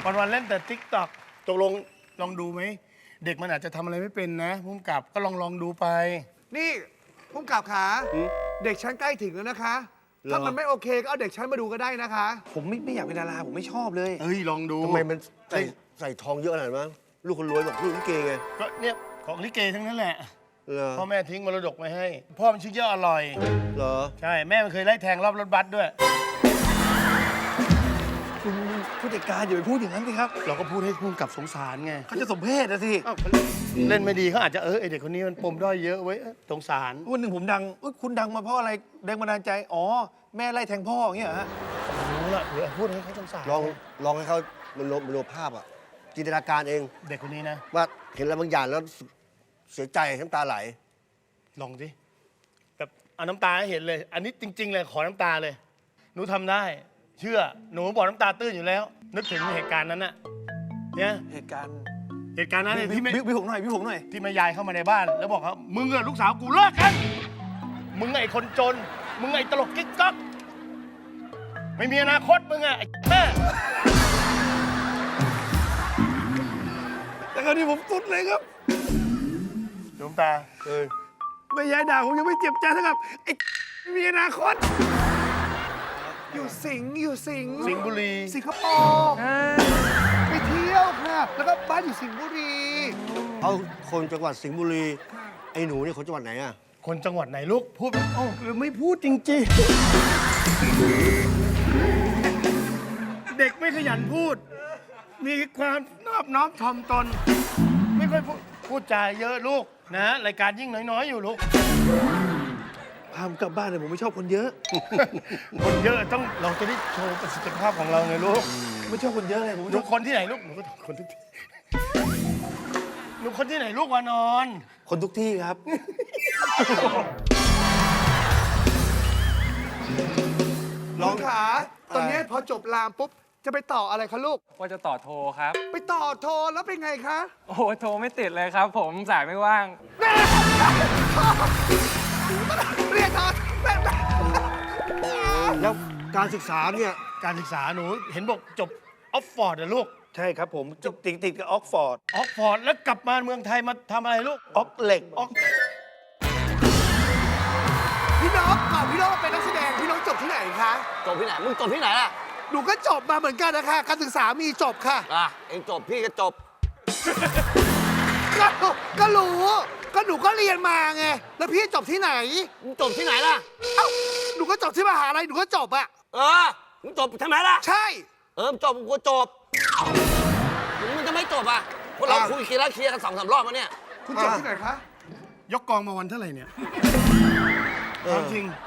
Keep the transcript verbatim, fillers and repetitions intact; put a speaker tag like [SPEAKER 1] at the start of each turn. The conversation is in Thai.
[SPEAKER 1] วันวันๆเล่นแต่ติ๊กต็อกตกลงลองดูไหมเด็กมันอาจจะทำอะไรไม่เป็นนะพุ่มกับก็ลองลองดูไป
[SPEAKER 2] นี่พุ่มกับขาเด็กชั้นใกล้ถึงแล้วนะคะถ้ามันไม่โอเคก็เอาเด็กชั้นมาดูก็ได้นะคะ
[SPEAKER 3] ผมไม่ไม่อยากเป็นดาราผมไม่ชอบเลย
[SPEAKER 1] เอ้ยลองดู
[SPEAKER 4] ทำไมมันใส่ใส่ทองเยอะขนาดนั้นลูกคนรวยบอกลูกลิเกไง
[SPEAKER 1] ก็เนี่ยของลิเกทั้งนั้นแหละ
[SPEAKER 4] เหรอ
[SPEAKER 1] พ่อแม่ทิ้งมรดกไว้ให้ พ่อมันชื่อเยอะอร่อย
[SPEAKER 4] เหรอ
[SPEAKER 1] ใช่แม่มันเคยไล่แทงรอบรถบัสด้วย
[SPEAKER 3] คุณผู้จัดการอย่าไปพูดอย่างนั้นสิครับ
[SPEAKER 1] เราก็พูดให้พุ่มกับสงสารไง
[SPEAKER 3] เขาจะสมเพศนะสิ
[SPEAKER 1] อ้าวเล่นไม่ดีเขาอาจจะเออไอเด็กคนนี้มันปมด้อยเยอะเว้ยเอ้ยสงสาร
[SPEAKER 3] วันหนึ่งผมดังอุ๊ยคุณดังมาเพราะอะไรแรงบันดาลใจอ๋อแม่ไล่แทงพ่ออย่างเงี้ยเหรอฮะ
[SPEAKER 1] รู้ละเดี๋ยวพูดให้เขาสงสาร
[SPEAKER 4] ลองลองให้เขามันโนมโนภาพอ่ะจินตนาการเอง
[SPEAKER 1] เด็กคนนี้นะ
[SPEAKER 4] ว่าเห็นอะไรบางอย่างแล้วเสียใจน้ำตาไหล
[SPEAKER 1] ลองสิแบบเอาน้ำตาให้เห็นเลย อันนี้จริง ๆ เลยขอน้ำตาเลย หนูทำได้ เชื่อหนูบอกน้ำตาตื้นอยู่แล้ว นึกถึงเหตุการณ์นั้นน่ะเนี่ย
[SPEAKER 3] เหตุการณ์
[SPEAKER 1] เหตุการณ์นั้นเนี่ยที่แม่
[SPEAKER 3] พี่ผมหน่อยพี่ผมหน่อย
[SPEAKER 1] ที่แม่ยายเข้ามาในบ้าน แล้วบอกเขามึงกับลูกสาวกูเลิกกัน มึงไอ้คนจน มึงไอ้ตลกกิ๊กก๊อกไม่มีอนาคตมึงอะไอ้แม่
[SPEAKER 3] แต่คราวนี้ผมสุดเลยครับ
[SPEAKER 1] ดวงตา
[SPEAKER 4] เออ
[SPEAKER 3] แม่ยายด่าผมยังไม่เจ็บใจเท่ากับไอ้ไม่มีอนาคต
[SPEAKER 2] อยู่สิงห์อยู่สิงห์
[SPEAKER 1] สิงห์บุรี
[SPEAKER 2] สิงคโปร์ไปเที่ยวค่ะแล้วก็บ้านอยู่สิงห์บุรี
[SPEAKER 4] เขาคนจังหวัดสิงห์บุรี ไอ้หนูเนี่ยคนจังหวัดไหนอ่ะ
[SPEAKER 1] คนจังหวัดไหนลูก พูดไม่ออกหรือไม่พูดจริงๆ เด็กไม่ขยันพูด มีความนอบน้อมถ่อมตน ไม่ค่อยพูดพูดจาเยอะลูกนะรายการยิ่งน้อยๆอยู่ลูก
[SPEAKER 3] พามกลับบ้านเลยผมไม่ชอบคนเยอะ
[SPEAKER 1] คนเยอะต้องเราจะได้โชว์ประสิทธิภาพของเราไงลูก
[SPEAKER 3] ไม่ชอบคนเยอะเลยผม
[SPEAKER 1] ห
[SPEAKER 3] ไม่
[SPEAKER 1] นู
[SPEAKER 3] ชอบ
[SPEAKER 1] คนที่ไหนลูกหนูก็คนทุกที่หนูคนที่ไหนลูกวานอน
[SPEAKER 3] คนทุกที่ครับ
[SPEAKER 2] ลองขาตอนนี้พอจบรามปุ๊บจะไปต่ออะไรคะลูก
[SPEAKER 5] ว่าจะต่อโทรครับ
[SPEAKER 2] ไปต่อโทรแล้วเป็นไงคะ
[SPEAKER 5] โอ้โหโทรไม่ติดเลยครับ ผมสายไม่ว่าง
[SPEAKER 2] เรียกเขาแม่แม่
[SPEAKER 4] แล้วการศึกษาเนี่ย
[SPEAKER 1] การศึกษาหนูเห็นบอกจบออกฟอร์ดเหรอลูก
[SPEAKER 3] ใช่ครับผมติดติดติดกับออกฟอร์ด
[SPEAKER 1] ออกฟอร์ดแล้วกลับมาเมืองไทยมาทำอะไรลูก
[SPEAKER 3] ออกเหล็ก
[SPEAKER 1] ออก
[SPEAKER 2] พี่น้องก่อนพี่น้องเป็นนักแสดงพี่น้องจบที่ไหนคะ
[SPEAKER 6] จบที่ไหน มึงจบที่ไหนล่ะ
[SPEAKER 2] หนูก็จบมาเหมือนกันนะคะการศึกษามีจบค่ะ
[SPEAKER 6] อ่ะ เองจบ พี่ก็จบ
[SPEAKER 2] ก็ก็รู้ก็หนูก็เรียนมาไงแล้วพี่จบที่ไหน
[SPEAKER 6] มึงจบที่ไหนล่ะ
[SPEAKER 2] เอ้าหนูก็จบที่มหาลัยหนูก็จบอะ
[SPEAKER 6] เออ มึงจบทำไมล่ะ
[SPEAKER 2] ใช่
[SPEAKER 6] เออมึงจบมึงก็จบ มึงมึงจะไม่จบอ่ะ พวกเราคุยเคลียร์แล้วเคลียร์กันสองสามรอบแล้วเนี่ย
[SPEAKER 2] คุณจบที่ไหนคะ
[SPEAKER 1] ยกกองมาวันเท่าไหร่เนี่ยถามจริง